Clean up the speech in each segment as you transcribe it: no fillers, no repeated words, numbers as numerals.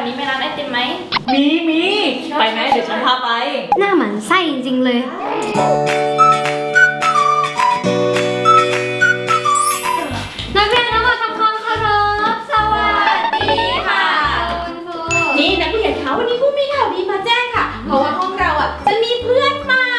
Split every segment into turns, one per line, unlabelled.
นี้ไม่ร้านไอติมไหม
มีไปไหมเดี๋ยวฉันพาไป
หน้าหมันไส้จริงๆเลยนักเรียนทั้งหมดทำความเคารพสวัสดีค่ะคุณครู
นี่นักเรียนเขาวันนี้ครูมีข่าวดีมาแจ้งค่ะเพราะว่าห้องเราอ่ะจะมีเพื่อนใหม่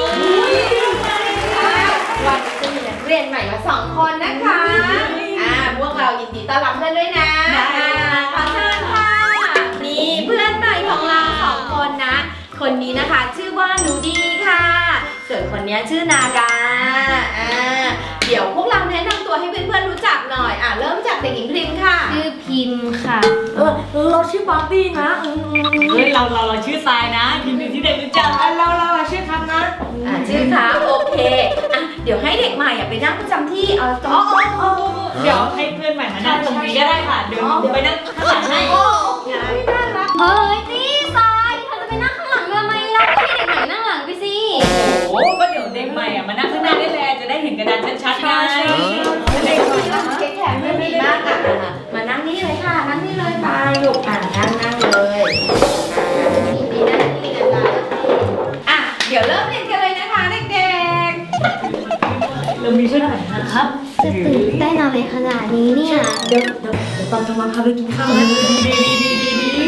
วันนี้จะมีนักเรียนใหม่มา2 คนนะคะพวกเรายินดีต้อนรับเพื่อนด้วยนะขอเชิญค่ะนี่เพื่อนใหม่ของเรา2 คนนะคนนี้นะคะชื่อว่าหนูดีค่ะส่วนคนนี้ชื่อนากาเดี๋ยวพวกเราแนะนำตัวให้เพื่อนๆรู้จักหน่อยเริ่มจากเด็กหญิงพริมค่ะ
ชื่อพิมพ์ค่ะ
เราชื่อบาร์บี้นะเฮ้ยเราชื่อทรายนะยินดีที่ได้รู้จักเราชื่อครับนะ
ชื่อครับโอเคเดี๋ยวให้เด็กใหม่ไปนั่งประจำที่ตรง
เดี๋ยวให้เพื่อนใหม่มานั่งตรงนี้ก็ได้ค่ะเดี๋ยวไปนั่งข้างหลังให้
น่ารัก
เฮ้ยนี่ทรายเธอจะไปนั่งข้างหลังทำไมล่ะให้เด็กใหม่นั่งหลังไปสิ
โอ้ก็เดี๋ยวเด็กใหม่มานั่งข้างหน้าได้เลยจะได้เห็นกระดานชัดๆไง
เด็กใหม่แข็งไม่ดีมากมานั่งนี่เลยค่ะนั่งนี่เลยไปลูกนั่งเลยนี่นั่งนี่นะคะเดี๋ยวเริ่มเรียนกันเลยนะคะเด็ก
ๆเรามีชุดไหนนะครับ
จะตื่นเต้นอะไรขนาดนี้เนี่ย
เดี๋ยวตอนจะมาพาไปกินข้าวนะดี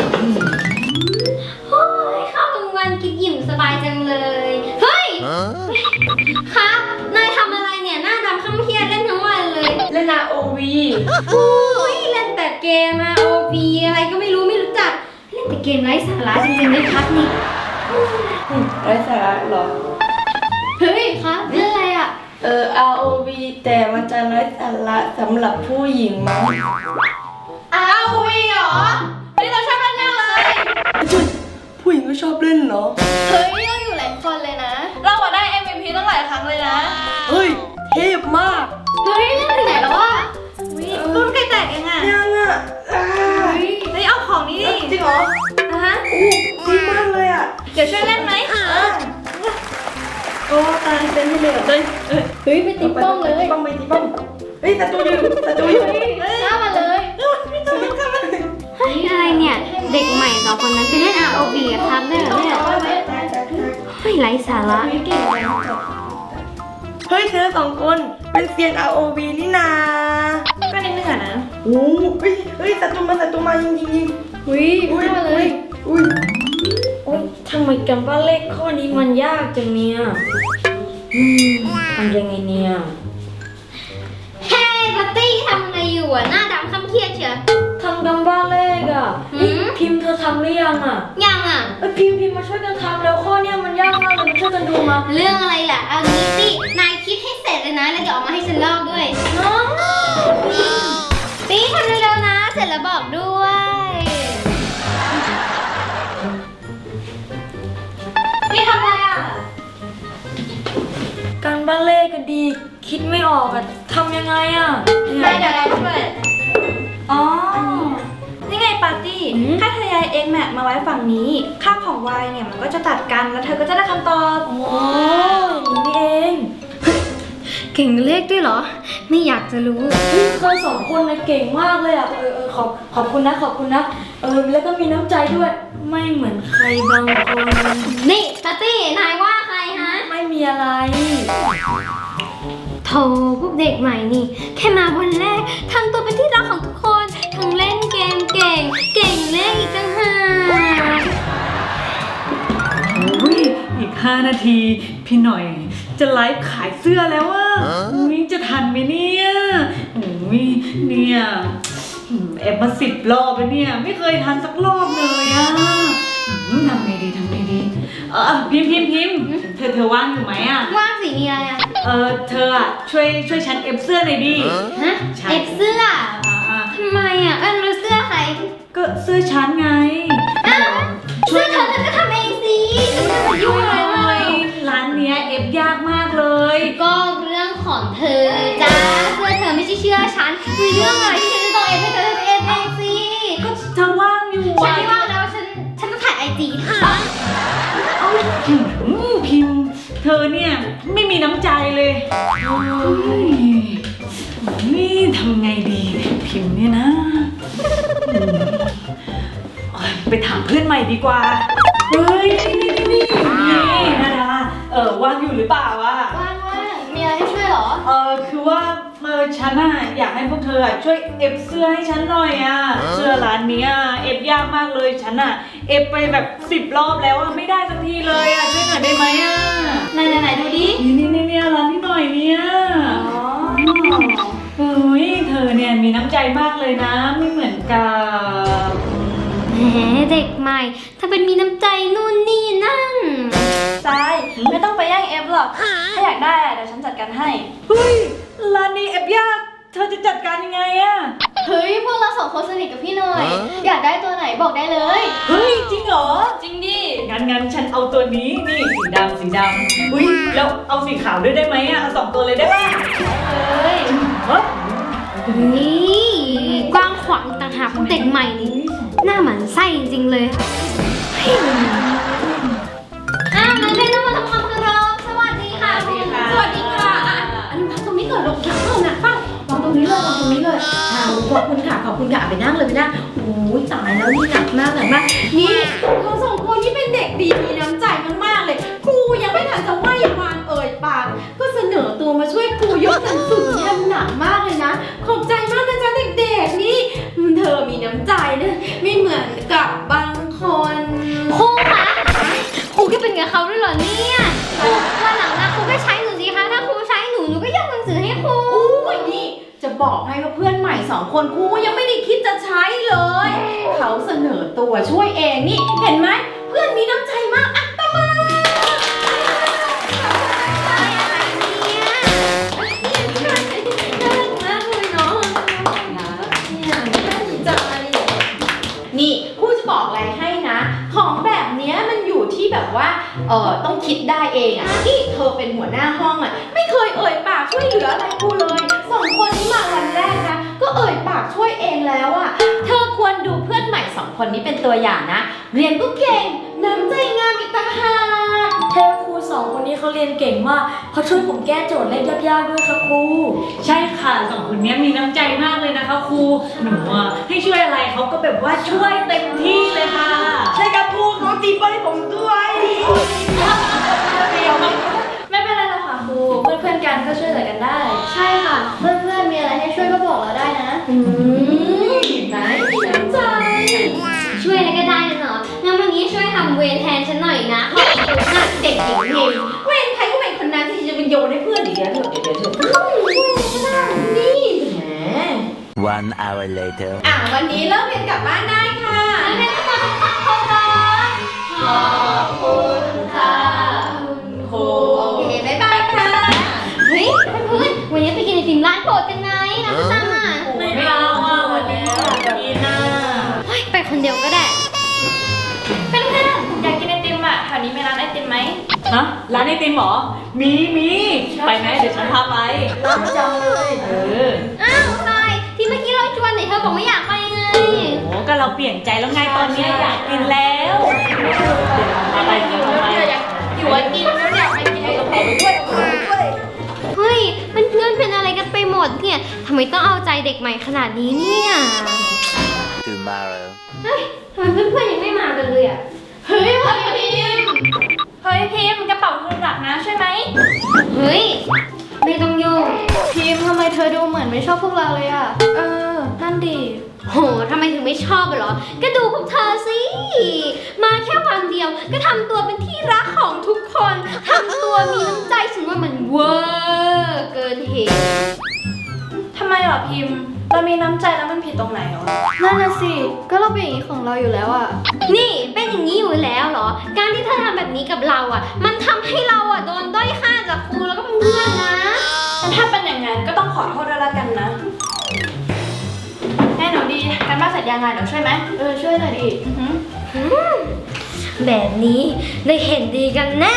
โอ้ยข้าวกลางวันกินอิ่มสบายจังเลยเฮ้ยครับนายทำอะไรเนี่ยหน้าดำข้ามเครียดเล่นทั้งวันเลย
เล่น ROV
โอ้ยเล่นแต่เกมROV อะไรก็ไม่รู้จักเล่นแต่เกมไร้สาระจริงๆเลยครับนี่
ไร้สาระหรอ
เฮ้ยครับเล่นอะไร
ROV แต่มันจะไร้สาระสำหรับผู้หญิงมั้ง ROV เหรอไม่เราชอบเล่นเลย
ผู้หญิงก็ชอบเล่นเหรอ
เฮ้ยเราอยู่หลายคนเลยนะ
เราได้ MVP ตั้งหลายครั้งเลยนะ
เฮ้ยเทพมาก
เฮ้ยเล่นถึงไหนแล้ววะ
รุ่นใกล้แตกยัง
ยัง
เฮ้ยเอาของนี้ดิ
จริงเหรอดีมากเลย
เดี๋ยวช่วยเล่นไหม
โอ้ตายเต้นให้เลย
เฮ้ยไปตีป้อมเลย
ไปตีป้อมเฮ้ยศัตรูอยู่
ฆ่ามาเลยเฮ้ยอะไรเนี่ยเด็กใหม่2 คนนั้นไปเล่น ROV ครับได้เหรอเนี่ยเฮ้ยไร้สาระ
เฮ้ยเธอ2 คนเป็นเซียน ROV นี่นา
ก็นิดนึงนะ
โอ้เฮ้ยศัตรูมายิง
ฆ่ามาเลย
ทำไมกันบ้านเลขข้อนี้มันยากจังเนี่ยทำยังไงเนี่ย
เฮ้ยบัตตี้ทำอะไรอยู่หน้าดำคำเครียดเชียว
ทำกันบ้านเลขพิมพ์เธอทำหรือยัง
ยัง
พิมพ์มาช่วยกันทำแล้วข้อเนี้ยมันยากมากเลยมาช่วยกันดูมา
เรื่องอะไรล่ะเอางี้สินายคิดให้เสร็จเลยนะแล้วเดี๋ยวออกมาให้ฉันลอกด้วยตี้ทำเร็วๆนะเสร็จแล้วบอกด้วยนี่ทำอะไร
การบ้านเลขกันดีคิดไม่ออกทำยังไง
ได้เดี๋ยวเราช่วย
นี่ไงปาร์ตี้ถ้าเธอย้าย x map มาไว้ฝั่งนี้ค่าของ y เนี่ยมันก็จะตัดกันแล้วเธอก็จะได้คำตอบนี่เอง
เก่งเลขด้วยเหรอไม่อยากจะรู้
เธอ2 คนเลยเก่งมากเลยขอบคุณนะแล้วก็มีน้ำใจด้วยไม่เหมือนใครบางคน
นี่ปาร์ตี้นายว่าใครฮะ
ไม่มีอะไร
โธ่พวกเด็กใหม่นี่แค่มาวันแรกทำตัวเป็นที่รักของทุกคนทั้งเล่นเกมเก่งเลขอีกต่างหาก
อีก5 นาทีพี่หน่อยจะไลฟ์ขายเสื้อแล้วจะทันไหมเนี่ยเนี่ยแอบมา10 รอบแล้วเนี่ยไม่เคยทันสักรอบเลยทำไงดีพิมพ์เธอว่างอยู่ไหม
ว่างสิมีอะไร
เธอช่วยฉันเอฟเสื้อหน่อยดิ
ฮะเอฟเสื้อทำไมแล้วเสื้อใคร
ก็เสื้อฉันไง
เสื้อเธอก็ทำเองสิฉันจะมายุ่งอะไร
ร้านเนี้ยเอฟยากมากเลย
ก็เรื่องของเธอจ้าเสื้อเธอไม่ใช่เชื่อฉันมีเรื่องอะไรที่ฉันจะต้องเอฟให้เธอเอฟเองสิ
ก็เธอว่างอยู่
ฉันไม่ว่างแล้วฉันต้องถ่ายIG ค่ะ
พิมพ์เธอเนี่ยไม่มีน้ำใจเลยนี่ทำไงดีพิมพ์เนี่ยนะไปถามเพื่อนใหม่ดีกว่า เฮ้ยนี่นาดาว่างอยู่หรือเปล่าวะ
ว่างมีอะไรให้ช่วยเหรอ
คือว่าฉันอะอยากให้พวกเธออะช่วยเอฟเสื้อให้ฉันหน่อยอะเสื้อร้านเนี้ยเอฟยากมากเลยฉันอะเอฟไปแบบ10 รอบแล้วอะไม่ได้สักทีเลยอะช่วยหน่อยได้ไหมอะ
ไหนดูดิ
นี่ร้านนี้หน่อยเนี่ยเฮ้ยเธอเนี่ยมีน้ำใจมากเลยนะไม่เหมือนกับ
แหมเด็กใหม่ ถ้าเป็นมีน้ำใจนู่นนี่นั่น
ทรายไม่ต้องไปแย่งเอฟหรอก ถ้าอยากได้อะเดี๋ยวฉันจัดการให้
เฮ้ยร้านนี้เอฟยากเธอจะจัดการยังไงอะ
เฮ้ย พวกเราสองคนสนิทกับพี่หน่อย อยากได้ตัวไหนบอกได้เลย
เฮ้ยจริงเหรอ
จริงดิ
งั้นฉันเอาตัวนี้นี่สีดำอุ้ยแล้วเอาสีขาวด้วยได้ไหมอ่ะเอา2 ตัวเลยได้ป่ะ
เฮ้ย
เฮ้ย
นี่กว้างขวางต่างหากของเด็กใหม่นี่หน้าหมันไส้จริงๆเลยอ้าวนักเรียนต้องมาทำความเคารพสวัสดีค่ะคุณ
สวัสดีค่ะอันนี้พักตรงนี้ก่อนลงเท้าหนักเป้าวางตรงนี้เลยวางตรงนี้เลยขอบคุณค่ะไปนั่งเลยไปนั่งโอ้ยตายแล้วนี่หนักมากนี่เขาสองคนที่เป็นเด็กดีมีน้ำใจมากๆเลยครูยังไม่ทันจะไหว้วางเอ่ยปากก็เสนอตัวมาช่วยครูยกหนังสือนี่หนักมากเลยนะขอบใจมากนะจ๊ะเด็กๆนี่เธอมีน้ำใจนะไม่เหมือนกับบางคน
ครูคะครูก็เป็นกับเขาด้วยเหรอเนี่ยวันหลังนะครูก็ใช้หนูสิคะถ้าครูใช้หนูก็ยกหนังสือให้ครู
อุ้ยนี่จะบอกให้ว่าเพื่อนใหม่2 คนครูยังไม่ได้คิดจะใช้เลย เขาเสนอตัวช่วยเองนี่เห็นไหมเพื่อนมีน้ำใจมากอ่ะตบมือนี่ครูจะบอกอะไรให้นะ ของแบบเนี้ยมันอยู่ที่แบบว่าต้องคิดได้เองอ่ะนี่เธอเป็นหัวหน้าห้องอ่ะไม่เคยเอ่ยปากช่วยเหลืออะไรครูเลย2 คนนี้มาวันแรกนะก็เอ่ยปากช่วยเองแล้วอ่ะเธอควรดูเพื่อนใหม่2 คนนี้เป็นตัวอย่างนะเรียนก็เก่งน้ำใจงามอีกต่างหาก
เทพครู2 คนนี้เขาเรียนเก่งมากเขาช่วยผมแก้โจทย์เลขยากๆด้วยครับครู
ใช่ค่ะ2 คนนี้มีน้ำใจมากเลยนะคะครูหนูอ่ะให้ช่วยอะไรเขาก็แบบว่าช่วยเต็มที่เลยค่ะ
ใช่ครับครูเขาตีป้ายผมด้วย
ไม่เป็นไรหรอกค่ะครู เพื่อนๆกันก็ช่วยเหลือกันได้
ใช่ค่ะ เพื่อนๆมีอะไรให้ช่วยก็บอกเราได้นะ
ไหนมีน้ำใจ
ช่วยอะไรก็ได้นะเนาะงั้นวันนี้ช่วยทำเวรแทนฉันหน่อยนะขอบคุณนะเด็กหญิงเพลง
เว้นใครก็เป็นคนนั้นที่จะเป็นโยนให้เพื่อนอีกแล้วเดี๋ยวนี่แหม
1 hour later.
วันนี้เลิกเรียนกลับบ้านได้ค่ะ
นักเรียนทุกคนขอบคุณขอบคุณค่ะคุณครู
โอเคบ๊ายบายค่ะ
เฮ้ยเพื่อนๆวันนี้ไปกินไอติมร้านโปรดกันไหมน้ำซ้ำอ่ะ
ไม่เอาอ่ะวันนี้กินน่ะ
เฮ้ยไปคนเดียวก็ได้
เพื่อนๆอยากกินไอติมอ่ะแถวนี้มีร้านไอติมไหม
ฮะร้านไอติมเหรอมีไปไหมเดี๋ยวฉันพาไป
ร้านจังเลย
อ้าวทรายที่เมื่อกี้เราชวนไหนเธอบอกไม่อยากไปไง
โอ้ก็เราเปลี่ยนใจแล้วไงตอนเนี้ยอยากกินแล้วเดี๋ยวเราไปเดี๋ยวเราไป
อยู่ไอติมแล้วอยากไปกินไอติมด้วย
เฮ้ยเพื่อนๆเป็นอะไรกันไปหมดเนี่ยทำไมต้องเอาใจเด็กใหม่ขนาดนี้เนี่ย
Tomorrow.
เฮ้ยทำไมเพื่อนๆยังไม่มากันเลยอ่ะ
เฮ้ยพิมพ์กระเป๋าเธอหนักนะใช่ไหม
เฮ้ยไม่ต้องโยง
พิมพ์ทำไมเธอดูเหมือนไม่ชอบพวกเราเลยอ่ะ นั่นดิ
โหทำไมถึงไม่ชอบเหรอก็ดูพวกเธอสิมาแค่วันเดียวก็ทำตัวเป็นที่รักของทุกคนทำตัวมีน้ำใจฉันว่ามันเวอร์เกินเหตุ
ทำไมเหรอพิมพ์ เรามีน้ำใจแล้วมันผิดตรงไหนเหรอ นั่นน่ะสิ ก็เราเป็นอย่างนี้ของเราอยู่แล้วอ่ะ
นี่เป็นอย่างนี้อยู่แล้วเหรอ การที่เธอทำแบบนี้กับเราอ่ะ มันทำให้เราอ่ะโดนด้อยค่าจากครูแล้วก็เพื่อนๆนะ
แต่ถ้าเป็นอย่างนั้นก็ต้องขอโทษด้วยละกันนะแม่หนูดีการบ้านเสร็จยังไงเดี๋ยวช่วยไหมช่วยหน่อยดิ
แบบนี้ได้เห็นดีกันแน่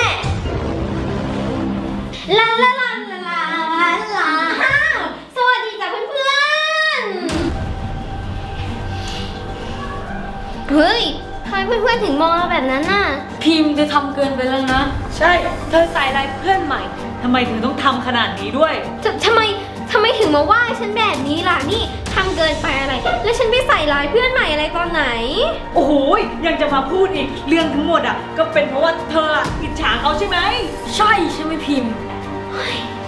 ลาลาลาลาลาลาสวัสดีจ้ะเพื่อนๆเฮ้ยทำไมเพื่อนๆถึงมองเราแบบนั้นน่ะ
พิมพ์จะทำเกินไปแล้วนะ
ใช่เธอใส่อะไรเพื่อนใหม่
ทำไมถึงต้องทำขนาดนี้ด้วย
ทำไมเธทำไมถึงมาว่าฉันแบบนี้ล่ะนี่ทำเกินไปอะไร แล้วฉันไปใส่ร้ายเพื่อนใหม่อะไรตอนไหน
โอ้โหยังจะมาพูดอีกเรื่องทั้งหมดอ่ะก็เป็นเพราะว่าเธออะอิจฉาเขาใช่ไหม
ใช่ใช่ไหมพิมพ์
ฉ